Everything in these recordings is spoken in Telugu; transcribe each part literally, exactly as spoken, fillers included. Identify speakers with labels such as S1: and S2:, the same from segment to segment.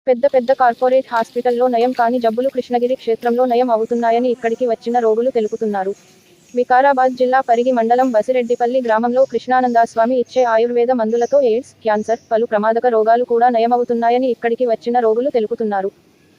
S1: పెద్ద పెద్ద కార్పొరేట్ హాస్పిటల్లో నయం కాని జబ్బులు కృష్ణగిరి క్షేత్రంలో నయం అవుతున్నాయని ఇక్కడికి వచ్చిన రోగులు తెలుపుతున్నారు. వికారాబాద్ జిల్లా పరిగి మండలం బసిరెడ్డిపల్లి గ్రామంలో కృష్ణానందస్వామి ఇచ్చే ఆయుర్వేద మందులతో ఎయిడ్స్, క్యాన్సర్, పలు ప్రమాదక రోగాలు కూడా నయమవుతున్నాయని ఇక్కడికి వచ్చిన రోగులు తెలుపుతున్నారు.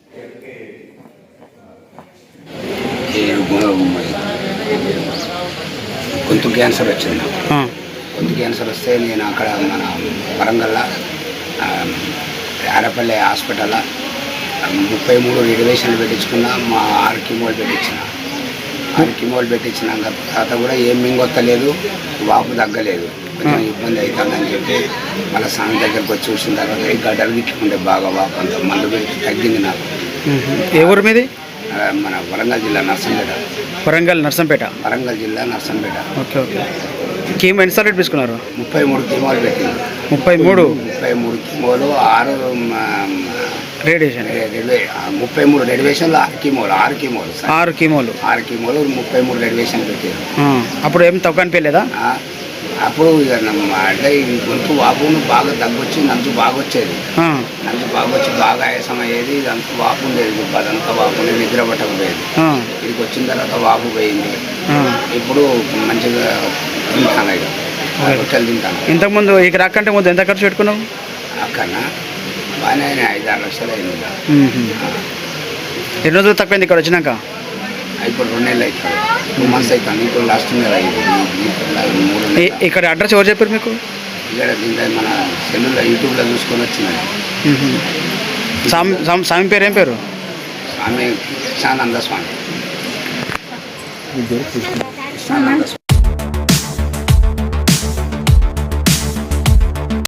S2: గొంతు క్యాన్సర్ వచ్చింది. గొంతు క్యాన్సర్ వస్తే నేను అక్కడ మన వరంగల్లో ఆరపల్లి హాస్పిటల్లో ముప్పై మూడు రిజర్వేషన్లు పెట్టించుకున్నా. మా ఆరు కిమోలు పెట్టించిన ఆరు కిమోలు పెట్టించినాక తర్వాత కూడా ఏం మింగొత్తలేదు, వాపు తగ్గలేదు, కొంచెం ఇబ్బంది అవుతుందని చెప్పి మళ్ళీ స్వామి దగ్గరకు వచ్చి చూసిన తర్వాత ఈ గడ్డలు గిట్టుకుంటే బాగా వాపు అంత మందు పెట్టి తగ్గింది నాకు.
S3: ఏ ఊరు మీది?
S2: మన వరంగల్ జిల్లా నర్సంపేట.
S3: వరంగల్ నర్సంపేట
S2: వరంగల్ జిల్లా నర్సంపేట.
S3: Okay okay. కీమో ఎన్నిసార్లు తీసుకున్నారు?
S2: ముప్పై మూడు కిమోలు పెట్టింది.
S3: ముప్పై మూడు
S2: ముప్పై మూడు కిమోలు ఆరు
S3: రేడియేషన్
S2: ముప్పై మూడు రెడివేషన్లు ఆరు కిమోలు ఆరు కిమోలు
S3: ఆరు కీమోలు
S2: ఆరు కిమోలు ముప్పై మూడు రెడివేషన్ పెట్టారు.
S3: అప్పుడు ఏం తక్కువ అనిపించలేదా?
S2: అప్పుడు ఇక అంటే ఈ గొంతు వాపును బాగా తగ్గొచ్చి నంచు బాగా వచ్చేది. నంచు బాగా వచ్చి బాగా ఆయాసం అయ్యేది. ఇదంతా వాపు ఉండేది, అదంతా వాపు నిద్ర పట్టకపోయేది. ఇక్కడికి వచ్చిన తర్వాత వాపు పోయింది. ఇప్పుడు మంచిగా తింటాను, ఇక రొట్టెలు తింటాను.
S3: ఇంతకుముందు ఇక రాకంటే ముందు ఎంత ఖర్చు పెట్టుకున్నావు?
S2: అక్కడ బాగానే ఐదు ఆరు లక్షలు అయింది.
S3: ఎన్ని రోజులు తక్కువైంది ఇక్కడ వచ్చినాక?
S2: ఇప్పుడు రెండు నెలలు అవుతుంది, టూ మంత్స్ అవుతుంది. ఇప్పుడు లాస్ట్ నెల అయింది. మూడు
S3: ఇక్కడ అడ్రస్ ఎవరు చెప్పారు మీకు?
S2: ఇక్కడ దీంట్లో మన సెల్లులో యూట్యూబ్లో చూసుకొని వచ్చింది.
S3: స్వామి స్వామి పేరు ఏం పేరు?
S2: స్వామి కృష్ణానంద స్వామి. కృష్ణానంద స్వామి.